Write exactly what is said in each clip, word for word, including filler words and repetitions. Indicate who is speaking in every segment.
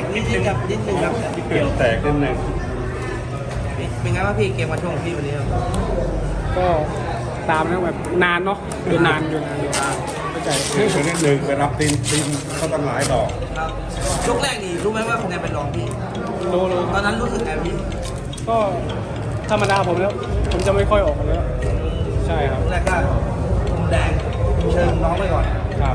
Speaker 1: นิดนึงครับนิดนึงครับ
Speaker 2: เกี่ยวแตกนิดหนึ่ง
Speaker 1: เป็นไงบ้างพี่เกมวันช่วงของพี่วันนี้ครับ
Speaker 3: ก็ตามนะแบบนานเนาะอยู่นานอยู่นานอยู่นานเข้าใจ
Speaker 2: คือนิดหนึ่งไปรับตีนตีนเขาตั้งหลายดอก
Speaker 1: ครับยกแรกนี่รู้ไหมว่าคะแนนเป็นรองพี่
Speaker 3: รู้รู้
Speaker 1: ตอนนั้นรู้สึกไงพี่
Speaker 3: ก็ธรรมดาผมแล้ว ผมจะไม่ค่อยออกแล้ว ใช่ครับ
Speaker 1: แรกก็มุมแดงเชิญน้องไปก่อน
Speaker 3: ครับ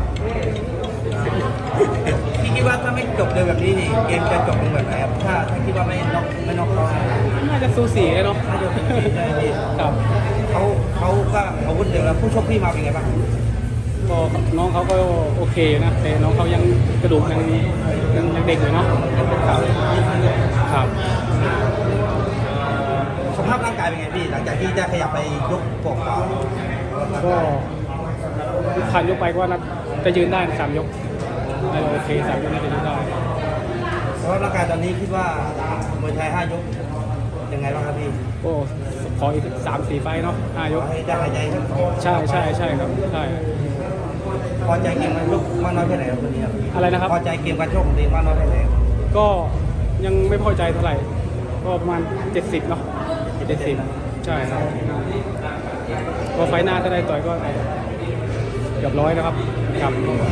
Speaker 1: พี่คิดว่าถ้าไม่จบเร็วแบบนี้นี่เกมจะจบลงแบบไหนครับถ้าถ้าคิดว่าไม่น็อกไม่น็อกเขา
Speaker 3: น่าจะสูสีเนาะ
Speaker 1: น่าจะเป็นพี่ได้พี่
Speaker 3: ครับ
Speaker 1: เขาเขาก็อาวุธเดียวแล้วผู้ชกพี่มาเป็นไงบ้าง
Speaker 3: ก็น้องเขาก็โอเคนะแต่น้องเขายังกระดูกยังยังยังเด็กอยู่เนาะครับครับ
Speaker 1: สภาพร่างกายเป็นไงพี่หลังจากที่ได้ขยับไปยกกบเปล่า
Speaker 3: ก็ผ่านยกไปก็น่าจะยืนได้นะสามยกน่าจะโอเคสามยกน่าจะยืนได้
Speaker 1: สภาพร่างกายตอนนี้คิดว่ามวยไทยห้ายกยังไงบ้างครับพี่
Speaker 3: ก็ขออีกสามสี่ไฟล์เนาะห้ายก
Speaker 1: ให้ได้หายใจครับ
Speaker 3: ใช่ใช่ใช่ครับใช่
Speaker 1: พอใจเกมการชกมากน้อยแค่ไหนครับวันนี้ครับ
Speaker 3: อะไรนะครับ
Speaker 1: พอใจเกมการชกของตัวเองมากน้อยแค่ไหน
Speaker 3: ก็ยังไม่พอใจเท่าไหร่ ก็ประมาณเจ็ดสิบเนาะเจ็ดสิบใช่ครับพอไฟล์หน้าถ้าได้ต่อยก็เกือบร้อยนะครับครับ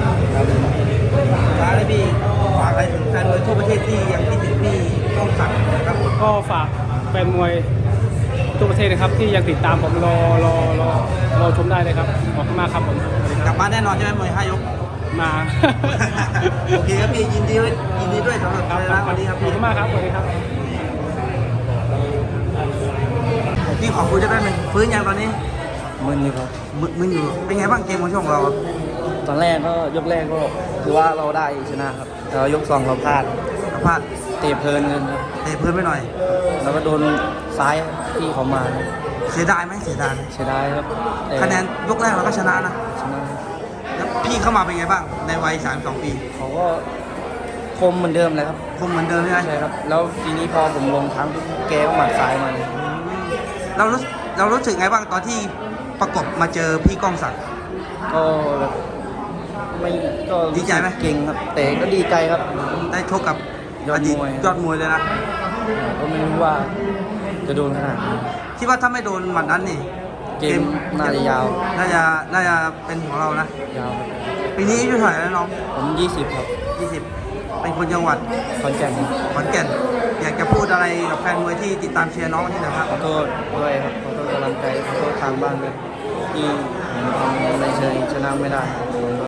Speaker 1: ท้ายเลยพี่ฝากอะไรถึงแฟนมวยทั่วประเทศที่ยังคิดถึงพี่ต้องสั่งนะครับผม
Speaker 3: ก็ฝากแฟนมวยทั่วประเทศนะครับ ที่ยังติดตามผมรอรอรอรอชมได้เลยครับขอบคุณมากครับผมสวัสดีค
Speaker 1: ก
Speaker 3: รั
Speaker 1: ลั
Speaker 3: บบ
Speaker 1: บ้านแน่นอนใช่ไหมมวยห้ายก
Speaker 3: มา
Speaker 1: โอเคครับพี่ยินดีด้วยยินดีด้วยสำหรับ
Speaker 3: ครับ
Speaker 1: ชนะวันนี้ครับ
Speaker 3: ขอบ
Speaker 1: พี่
Speaker 3: คุณมากครับสวัสดีครับ
Speaker 1: พี่ขอคุยได้ไหมฟื้นยังตอนนี้
Speaker 4: มึนอยู่ครับ
Speaker 1: มึนมึนอยู่เป็นไงบ้างเกมของช่วงเรา
Speaker 4: ตอนแรกก็ยกแรกก็คือว่าเราได้ชนะครับแต่ว่ายกสองเราพลาด
Speaker 1: สัมภาษณ์
Speaker 4: เตะเพลินเงินครับ
Speaker 1: เตะเพื่อนไปหน่อย
Speaker 4: แล้วก็โดนซ้ายที่เขามา
Speaker 1: เสียดายไหมเสียดายไหม
Speaker 4: เสียดายครับแต่
Speaker 1: คะแนนยกแรกเราก็ชนะนะ
Speaker 4: ชนะ
Speaker 1: แล้วพี่เข้ามาเป็นไงบ้างในวัยสามสองปี
Speaker 4: เขาก็คมเหมือนเดิมเลยครับ
Speaker 1: คงเหมือนเดิมใช่ไหม
Speaker 4: ใช่ครับ แล้วทีนี้พอผมลงทั้งแกก็หมัดซ้ายมาเลย
Speaker 1: เรารู้เรารู้สึกไงบ้างตอนที่ประกบมาเจอพี่ก้องศักดิ์
Speaker 4: ก็แบบไม่ก็
Speaker 1: ดีใจไหม
Speaker 4: เก่งครับ แต่ก็ดีใจครับ
Speaker 1: ได้ชกกับ
Speaker 4: ยอด
Speaker 1: ดีต
Speaker 4: มวย
Speaker 1: ยอดมวยเลยนะ
Speaker 4: ก็ไม่รู้ว่าจะโดนขนาดนี้
Speaker 1: คิดว่าถ้าไม่โดนหมัดนั้นนี่
Speaker 4: เกมน่าจะยาว
Speaker 1: น่าจะน่าจะเป็นของเรานะ
Speaker 4: ยาวครับ
Speaker 1: ปีนี้อายุเท่าไหร่แล้วน้อง
Speaker 4: ผมยี่สิบครับ
Speaker 1: ยี่สิบเป็นคนจังหวัด
Speaker 4: คอนแก่นครับ
Speaker 1: ขอนแก่นอยากจะพูดอะไรกับแฟนมวยที่ติดตามเชียร์น้องวันนี้หนะครับ
Speaker 4: ขอโทษด้วยครับขอโทษกำลังใจขอโทษทางบ้านด้วยที่ผมทำอะไรเชยชนะไม่ได้